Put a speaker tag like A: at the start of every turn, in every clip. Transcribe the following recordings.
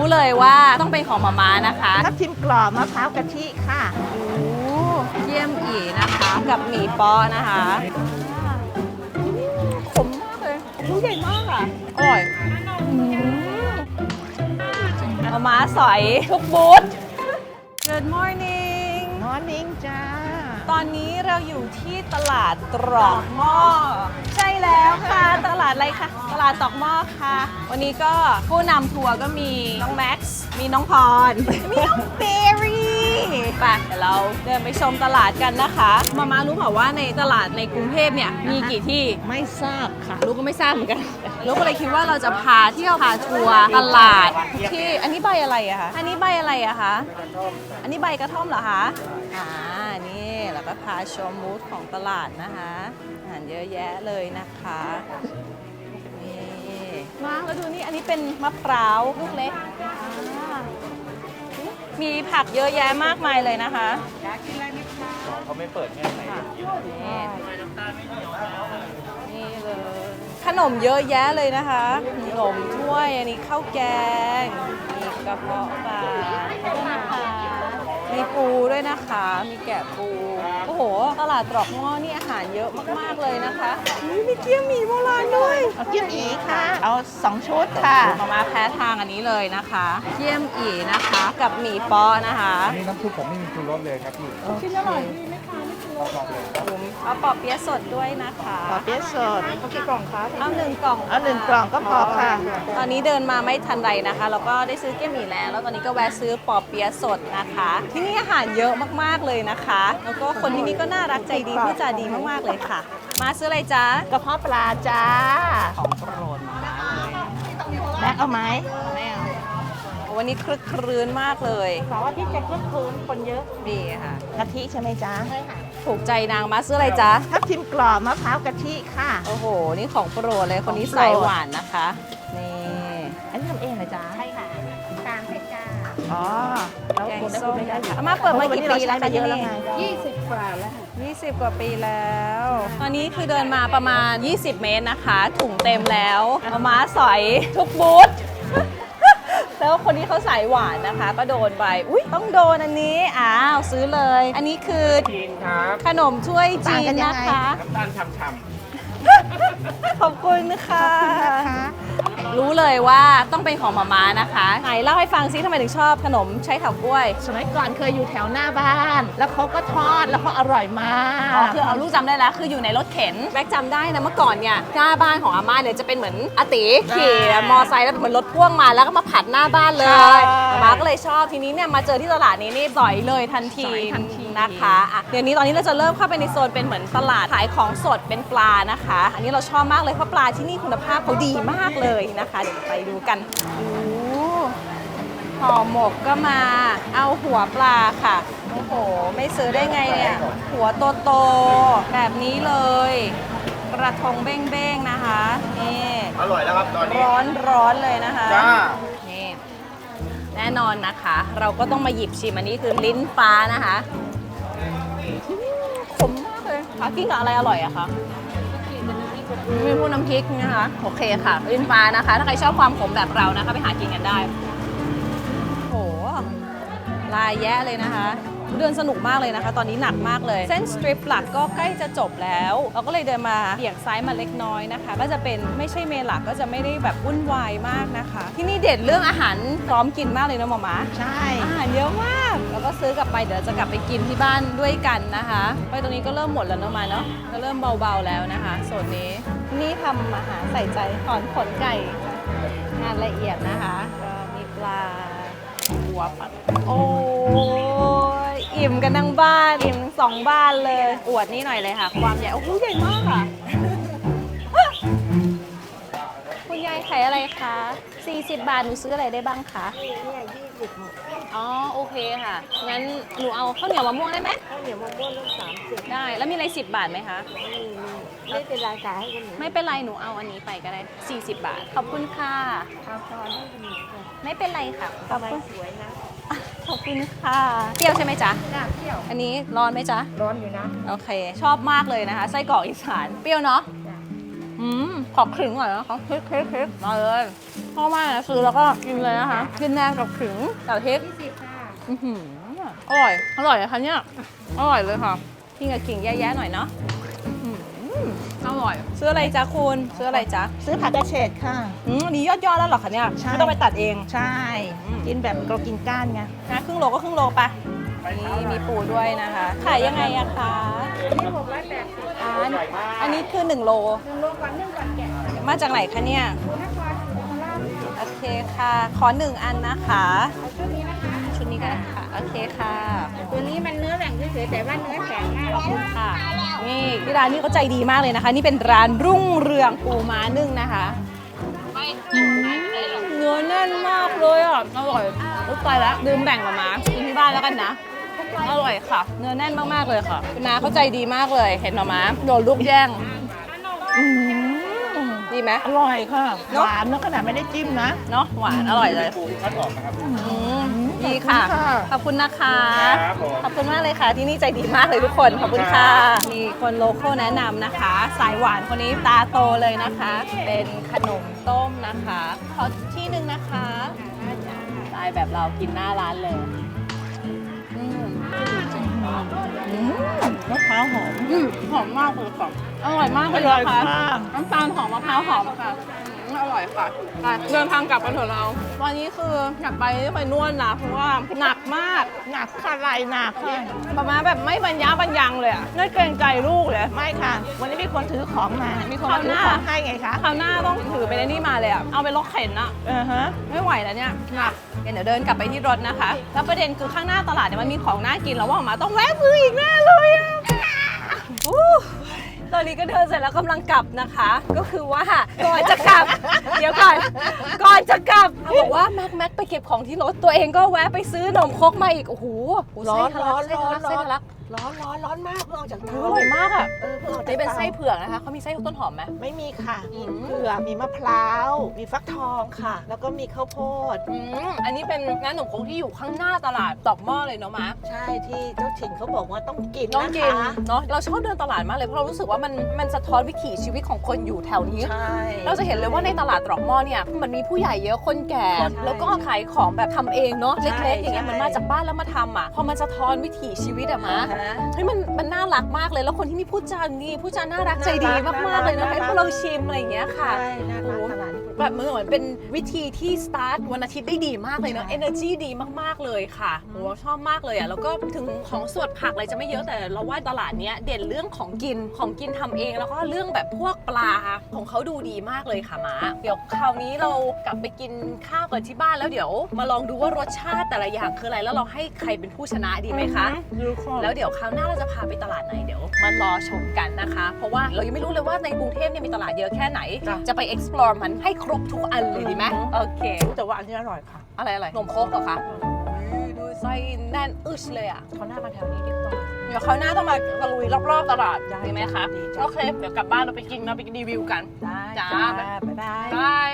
A: เลยว่าต้องเป็นของมาม่านะคะ
B: ทับทิมกรอบมะพร้าวกะทิค่ะ
A: โอ้เยี่ยมอีนะคะกับหมี่ป๊อนะคะขมมากเลยลูกใหญ่มากอ่ะอร่อยมาม่าสอยทุกบูธ Good morning
B: มอร์นิ่งจ้า
A: ตอนนี้เราอยู่ที่ตลาดตรอกหม้อใช่แล้วค่ะตลาดอะไรคะตลาดตรอกหม้อค่ะ วันนี้ก็ผู้นำทัวร์ก็มีน้องแม็กซ์มีน้องพร มีน้องเบรี่ไปเดี๋ยวเราเดินไปชมตลาดกันนะคะมารู้เปล่าว่าในตลาดในกรุงเทพเนี่ยมีกี่ที่
B: ไม่ทราบค่ะ
A: ลูกก็ไม่ทราบเหมือนกันลูกก็เลยคิดว่าเราจะพาเที่ยวพาทัวร์ตลาดที่อันนี้ใบอะไรอะคะอันนี้ใบอะไรอะคะอันนี้ใบกระท่อมเหรอคะนี่แล้วก็พาชมบูธของตลาดนะคะอาหารเยอะแยะเลยนะคะนี่มาแล้วดูนี่อันนี้เป็นมะพร้าวลูกเล็กมีผักเยอะแยะมากมายเลยนะคะ
C: เขาไม่เปิดแง่ไหน
A: นี่เลยขนมเยอะแยะเลยนะคะขนมถ้วยอันนี้ข้าวแกงมีกระเพาะปลามีปูด้วยนะคะมีแกะปูโอ้โหตลาดตรอกหม้อนี่อาหารเยอะมากๆเลยนะคะมีเกี๊ยวหมี่โบราณด้วย
B: เกี๊ยวอีค่ะเอา2 ชุดค่ะ
A: มาแพ้ทางอันนี้เลยนะคะเกี๊ยวอีนะคะกับหมี่ป๊อนะคะ
C: นี่น้ำซุปผมไม่มีชูรสเลยครับพี่
A: ชิ้นอร่อยดีไหมคะไม่ชูรสเอาปอเปี๊ยะสดด้วยนะคะ
B: ปอเปี๊ยะสด
A: เอากี่กล่องคะเอา1 กล่อง
B: เอา1 กล่องก็พอค่ะ
A: ตอนนี้เดินมาไม่ทันไรนะคะแล้วก็ได้ซื้อเกี๊ยวหมี่แล้วตอนนี้ก็แวะซื้อปอเปี๊ยะสดนะคะที่นี่อาหารเยอะมากๆเลยนะคะแล้วก็คนที่นี่ก็น่ารักใจดีพูดจาดีมากๆเลยค่ะมาซื้ออะไรจ๊ะ
B: กระเพาะปลาจ้า
A: ของโปรดมาเลย
B: แม็กเอาไหม
A: ไม่เอาวันนี้คลึกครื้นมากเลย
B: เพราะว่าที่จะคลึกครื้นคนเยอะ
A: ดีค่ะ
B: กะทิใช่ไหมจ๊ะ
A: ใช่ค่ะถูกใจนางมาซื้ออะไรจ๊ะ
B: ทับทิมกรอบมะพร้าวกะทิค่ะ
A: โอ้โหนี่ของโปรดเลยคนนี้สายหวานนะคะนี่
B: อันนี้ทำเองเหรอจ๊ะ
D: ใช่ค่ะตามเพชรจ้า
B: อ๋อ
A: แกงส้มอาม่าเปิดมากี่ปีแล้วคะ
B: เยอะแล้วไง
D: 20 กว่าแล้วค่ะ
A: 20 กว่าปีแล้วตอนนี้คือเดินมาประมาณ20 เมตรนะคะถุงเต็มแล้วอาม่าสอยทุกบูธแล้วคนที่เขาสายหวานนะคะก็โดนไปอุ๊ยต้องโดนอันนี้ซื้อเลยอันนี้คือ
C: จีนครับ
A: ขนมถ้วยจีนนะคะ
C: น้ำตาลฉ่ำ
A: ขอบคุณค่ะรู้เลยว่าต้องเป็นของมาม่านะคะไหนเล่าให้ฟังซิทำไมถึงชอบขนมใช้เถากล้วย
B: สมัยก่อนเคยอยู่แถวหน้าบ้านแล้วเขาก็ทอดแล้วเขาอร่อยมาก
A: คือเอาลูกจำได้แล้วคืออยู่ในรถเข็นแม็กจำได้นะเมื่อก่อนเนี่ยหน้าบ้านของอาม่าเนี่ยจะเป็นเหมือนอาติขี่มอไซค์แล้วเหมือนรถพ่วงมาแล้วก็มาผัดหน้าบ้านเลยอาม่าก็เลยชอบทีนี้เนี่ยมาเจอที่ตลาดนี้นี่สอยเลยทันทีนะคะเดี๋ยวนี้ตอนนี้เราจะเริ่มเข้าไปในโซนเป็นเหมือนตลาดขายของสดเป็นปลานะคะอันนี้เราชอบมากเลยเพราะปลาที่นี่คุณภาพเขาดีมากเลยนะคะเดี๋ยวไปดูกันห่อหมกก็มาเอาหัวปลาค่ะโอ้โหไม่ซื้อได้ไงเนี่ยหัวโตๆแบบนี้เลยกระทงเบ้งๆนะคะนี่
C: อร่อยแล้วครับตอนนี้
A: ร้อนเลยนะคะ
C: จ้า
A: นี่แน่นอนนะคะเราก็ต้องมาหยิบชิมอันนี้คือลิ้นฟ้านะคะขมมากเลยค่ะกินกับอะไรอร่อยอะคะมีพวกน้ำพริกนะคะโอเคค่ะลิ้นฟ้านะคะถ้าใครชอบความขมแบบเรานะคะไปหากินกันได้โหลายแยะเลยนะคะเดินสนุกมากเลยนะคะตอนนี้หนักมากเลยเส้นสตริปหลักก็ใกล้จะจบแล้วเราก็เลยเดินมาเบี่ยงซ้ายมาเล็กน้อยนะคะก็จะเป็นไม่ใช่เมนหลักก็จะไม่ได้แบบวุ่นวายมากนะคะที่นี่เด็ดเรื่องอาหารพร้อมกินมากเลยนะหมอหมา
B: ใช่
A: อาหารเยอะมากแล้วก็ซื้อกลับไปเดี๋ยวจะกลับไปกินที่บ้านด้วยกันนะคะไปตรงนี้ก็เริ่มหมดแล้วเนาะมาเนาะก็เริ่มเบาๆแล้วนะคะโซนนี้นี่ทำอาหารใส่ใจถอนขนไก่งานละเอียดนะคะก็มีปลาหัวปัดโอ้ยอิ่มกันทั้งบ้านอิ่มทั้ง2 บ้านเลยอวดนี่หน่อยเลยค่ะความใหญ่โอ้โหใหญ่มากค่ะคุณยายขายอะไรคะ40 บาทหนูซื้ออะไรได้บ้างคะ
D: เนี่ย20
A: อ๋อโอเคค่ะงั้นหนูเอาข้าวเหนียวมะม่วงได้ไหม
D: ข้าวเหนียวมะม่วงต้อง30
A: ได้แล้วมีอะไร10 บาทไหมคะ
D: ไม่เป็นไรขายให้คนอื่น
A: ไม่เป็นไรหนูเอาอันนี้ไปก็ได้40 บาทขอบคุณค่ะ
D: เอาพอให้คนอื่น
A: ไม่เป็นไรค่ะ
D: ขอบคุณสวยนะ
A: ขอบคุณค่ะเปรี้ยวใช่ไหมจ๊ะ
D: เปรี้ยว
A: อันนี้ร้อนไหมจ๊ะ
D: ร้อนอยู่นะ
A: โอเคชอบมากเลยนะคะไส้กรอกอีสานเปรี้ยวเนาะขอครึ่งหน่อยนะขอคลึกมาเลยชอบมากนะซื้อแล้วก็กินเลยนะคะกินแนมกับขิงกับพริกอื้อหืออร่อยอร่อยนะคะเนี่ยอร่อยเลยค่ะกินกับขิงแย่ๆหน่อยเนาะอื้อหืออร่อยซื้ออะไรจ๊ะคุณซื้ออะไรจ๊ะ
B: ซื้อผักกระเฉดค่ะ
A: อันนี้ยอดแล้วเหรอคะเนี่ย
B: ใช่
A: ไม่ต้องไปตัดเอง
B: ใช่ กินแบบเรากินก้านไง
A: นะครึ่งโลก็ครึ่งโลไปนี่มีปูด้วยนะคะ ขายยังไงอะคะอันนี้คือ1 โลมาจากไหนคะเนี่ยโอเคค่ะ ขอ1 อันนะคะชุดนี้ก็ได้ค่ะโอเคค่ะ
D: ตัวนี้มันเนื้อแหว่งเฉยๆแต่ว่าเนื้อแข็งมาก
A: ขอบคุณค่ะนี่ที่ร้านนี้เขาใจดีมากเลยนะคะ นี่เป็นร้านรุ่งเรืองปูม้านึ่งนะคะเนื้อแน่นมากเลยอ่ะอร่อยอุ๊ยตายแล้วลืมแบ่งมาม้ากินที่บ้านแล้วกันนะอร่อยค่ะ เนื้อแน่นมากๆเลยค่ะคุณน้าเขาใจดีมากเลยเห็นหรอม้าโดนลูกแย่งดีไหม
B: อร่อยค่ะ
A: เนอะ
B: หวานนะขนาดไม่ได้จิ้มนะ
A: เนาะหวานอร่อยเลย
C: ปูคัดออกนะครับ
A: ดีค่ะ ขอบคุณนะคะ
C: ครับผม
A: ขอบคุณมากเลยค่ะ ที่นี่ใจดีมากเลยทุกคน ขอบคุณค่ะ มีคนโลโก้แนะนำนะคะ สายหวานคนนี้ตาโตเลยนะคะ เป็นขนมต้มนะคะ ขอที่หนึ่งนะคะสายแบบเรากินหน้าร้านเลย
B: มะพร้าวหอม
A: หอมมากเลยค่ะ อร่อยมากเลย
B: อร่อย
A: นะคะ
B: มาก
A: น้ำตาลหอมมะพร้าวหอมค่ะอร่อยค่ะไปเดินทางกลับกันเถอะเรา วันนี้คืออยากไปนวดนะ เพราะว่าหนักมาก
B: หนักค่ะไหลหนักค่ะ
A: ประมาณแบบไม่บรรยะบรรยังเลยอะน่าเกรงใจลูกเลย
B: ไม่ค่ะ วันนี้มีคนถือของมา
A: มี
B: มี
A: คน
B: ถือ
A: หน้า
B: ของให้ไงคะ
A: คราวหน้าต้องถือไปในนี่มาเลยอะเอาไปรถเข็นอะ
B: ฮะ
A: ไม่ไหวแล้วเนี่ยหนักเดี๋ยวเดินกลับไปที่รถนะคะ แล้วประเด็นคือข้างหน้าตลาดเนี่ยมันมีของน่ากินแล้วว่าออกมาต้องแวะซื้ออีกแน่เลยอะอู้ตอนนี้ก็เดินเสร็จแล้วกำลังกลับนะคะ ก็คือว่าก่อนจะกลับ เดี๋ยวก่อนจะกลับเขาบอกว่าแม็กไปเก็บของที่รถตัวเองก็แวะไปซื้อนมครกมาอีกโอ้โห
B: ร้อน
A: ไส้ทะลักไส้ทะลักไส้ทะลัก
B: ร้อนมากเพิ่งออกจาก
A: อ
B: เตา
A: ร่อยมากอ่ะ
B: เพิ่งออกจาก
A: นี่เป็น
B: ตา
A: ไส้เผือกนะคะเขามีไส้ต้นหอมไหม
B: ไม่มีค่ะมีเผือกมีมะพร้าว มีฟักทองค่ะ แล้วก็มีข้าวโพด
A: อันนี้เป็นร้านขนมครกที่อยู่ข้างหน้าตลาดตอกหม้อเลยเนาะมา
B: ใช่ที่เจ้าถิ่นเขาบอกว่าต้องกิน
A: น้อง
B: นะ
A: กิน
B: คะ
A: เนาะเราชอบเดินตลาดมากเลยเพราะเรารู้สึกว่ามันสะท้อนวิถีชีวิตของคนอยู่แถวนี้
B: ใช่
A: เราจะเห็นเลยว่าในตลาดตรอกหม้อเนี่ยมันมีผู้ใหญ่เยอะคนแก่
B: ใช่
A: แล้วก็ขายของแบบทำเองเนาะ
B: ใช่
A: เล็กๆอย่างเงี้ย
B: ใช่
A: มันมาจากบ้านแล้วมาทำอ่ะพอมันสะท้อนวิถีชีวิตอะมา
B: อ่าฮะ
A: เฮ้ยมันน่ารักมากเลยแล้วคนที่นี่พูดจาน่ารักใจดี
B: น่ารัก
A: มากๆเลยนะ
B: น่ารัก
A: ให้พวกเราชิมอะไรอย่างเงี้ยค่ะ
B: ใช่น่ารักตลาดนี้
A: แบบเหมือนเป็นวิธีที่สตาร์ทวันอาทิตย์ได้ดีมากเลยเนาะ
B: ใช่
A: energy ดีมากๆเลยค่ะโหชอบมากเลยอ่ะแล้วก็ถึงของสดผักอะไรจะไม่เยอะแต่เราว่าตลาดเนี้ยเด่นเรื่องของกินทำเองแล้วก็เรื่องแบบพวกปลาของเขาดูดีมากเลยค่ะมาเดี๋ยวคราวนี้เรากลับไปกินข้าวกันที่บ้านแล้วเดี๋ยวมาลองดูว่ารสชาติแต่ละอย่างคืออะไรแล้วเราให้ใครเป็นผู้ชนะดีไหมคะ แล้วเดี๋ยวคราวหน้าเราจะพาไปตลาดไหนเดี๋ยวมารอชมกันนะคะ เพราะว่าเรายังไม่รู้เลยว่าในกรุงเทพเนี่ยมีตลาดเยอะแค่ไหน
B: จ้ะ
A: จะไป explore มันให้ครบทุกอันเลยดีไหมโอเค
B: แต่ว่าอันนี้อร่อยค่ะ
A: อะไรนมโคกเหรอคะดูไส้แน่นอึชเลยอ่ะ
B: เขาหน้ามาแถวนี้ดีกว่า
A: เดี๋ยวคราวหน้าต้องมาตะลุยรอบๆตลาด
B: ได้
A: ดีไหมคะ
B: ดีจ้ะ
A: โอเค เดี๋ยวกลับบ้านเราไปกินรีวิวกัน
B: ได้
A: จ้า
B: บ๊ายบาย
A: บาย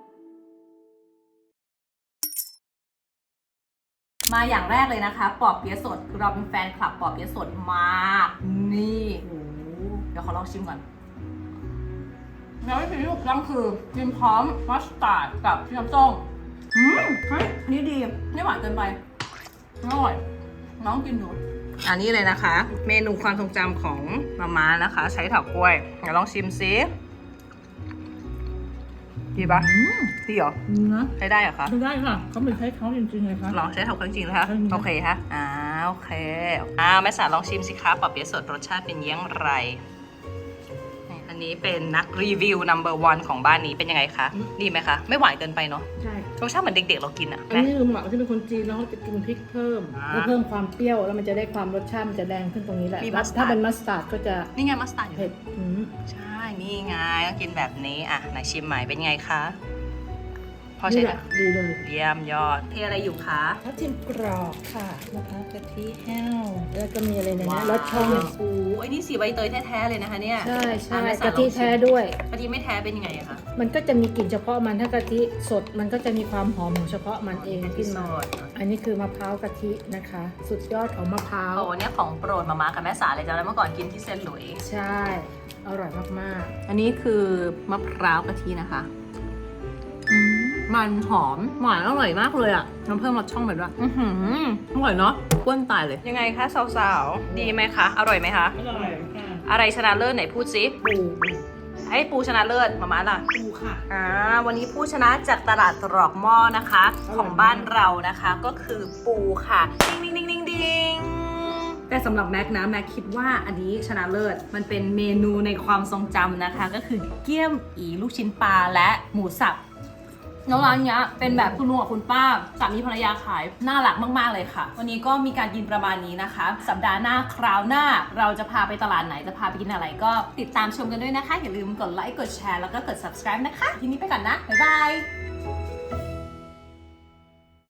A: มาอย่างแรกเลยนะคะปอเปี๊ยะสดคือเราเป็นแฟนคลับปอเปี๊ยะสดมากนี่โอ้โหเดี๋ยวขอลองชิมก่อนแล้ววิธีที่ถูกต้องคือกินพร้อมมัสตาร์ดกับพี่น้ำส้มเฮ้ยอันนี้ดีไม่หวานเกินไปอร่อยน้องกินดูอันนี้เลยนะคะ เมนูความทรงจำของมาม่านะคะ ใช้เถากล้วยเดี๋ยวลองชิมซิดีปะดีเหรอ
B: นะ
A: ใช้ได้เหรอคะ
B: ได้ค่ะเขาเป็นใช้เขาจริงๆเลยค่ะ
A: ลองใช้เถาเครื่องจริงนะคะ
B: ใช่ค่ะ
A: โอเคฮะโอเคแม่สาลองชิมสิคะปอเปี๊ยะสดรสชาติเป็นยังไรนี่อันนี้เป็นนักรีวิว number 1ของบ้านนี้เป็นยังไงคะดีไหมคะไม่หวานเกินไปเนาะ
E: ใช่
A: รสชาติเหมือนเด็กๆเรากินอะ
E: อันนี้ลุงหมักที่เป็นคนจีนแล้วเขาจะกินพริกเพิ่ม
A: อ่า
E: เพื่อเพิ่มความเปรี้ยวแล้วมันจะได้ความรสชาติมันจะแดงขึ้นตรงนี้แหละ
A: มี
E: แล้ว
A: mustard
E: ถ้าเป็นมัสตาร์ดก็จะ
A: นี่ไงมัสตาร์ดอยู่
E: เผ็ด
A: ใช่ นี่ไงก็กินแบบนี้อ่ะไหนชิมใหม่เป็นไงคะพอใช้
E: นี่แห
A: ได้
E: ละดีเลย
A: เยี่ยมยอดเทอะไรอยู่คะ
E: ทับทิมกรอบค่ะมะพร้าวกะทิแห้วแล้วก็มีอะไรในนี้รสช่อง
A: โอ้โหไอ้นี่สีใบเตยแท้ๆเลยนะคะเนี่ย
E: ใช่ใช่
A: อ่ะแม่สาก
E: ะทิแท้ด้วย
A: กะทิไม่แท้เป็นยังไงอะคะ
E: มันก็จะมีกลิ่นเฉพาะมันถ้ากะทิสดมันก็จะมีความหอมของเฉพาะมันเองขึ้นมา
A: สด
E: อันนี้คือมะพร้าวกะทินะคะ สุดยอดของมะพร้าว
A: โอ้เนี่ยของโปรดมาม่ากับแม่สาเลยจ้ะแล้วเมื่อก่อนกินที่เซนต์หลุยส์
E: ใช่อร่อยมาก
A: อันนี้คือมะพร้าวกะทินะคะมันหอมหวานอร่อยมากเลยอ่ะน้ำเพิ่มรสช่องไปด้วยอร่อยเนาะก้วนตายเลยยังไงคะสาวๆดีไหมคะอร่อยไหมคะ
E: อร่อยค่ะ
A: อะไรชนะเลิศไหนพูดซิ
E: ปู
A: ให้ปูชนะเลิศมาม่าล่ะ
E: ปูค่ะ
A: วันนี้ผู้ชนะจากตลาดตรอกหม้อนะคะของบ้านเรานะคะก็คือปูค่ะดิงดิงดิงดิงดิงแต่สำหรับแม็กนะแม็กคิดว่าอันนี้ชนะเลิศมันเป็นเมนูในความทรงจำนะคะก็คือเกี๊ยมอีลูกชิ้นปลาและหมูสับแล้วร้านเนี้ยเป็นแบบคุณลุงกับคุณป้าสามีภรรยาขายน่ารักมากๆเลยค่ะ วันนี้ก็มีการกินประมาณนี้นะคะ สัปดาห์หน้าคราวหน้าเราจะพาไปตลาดไหนจะพาไปกินอะไรก็ติดตามชมกันด้วยนะคะอย่าลืมกดไลค์กดแชร์แล้วก็กด subscribe นะคะทีนี้ไปก่อนนะบ๊ายบาย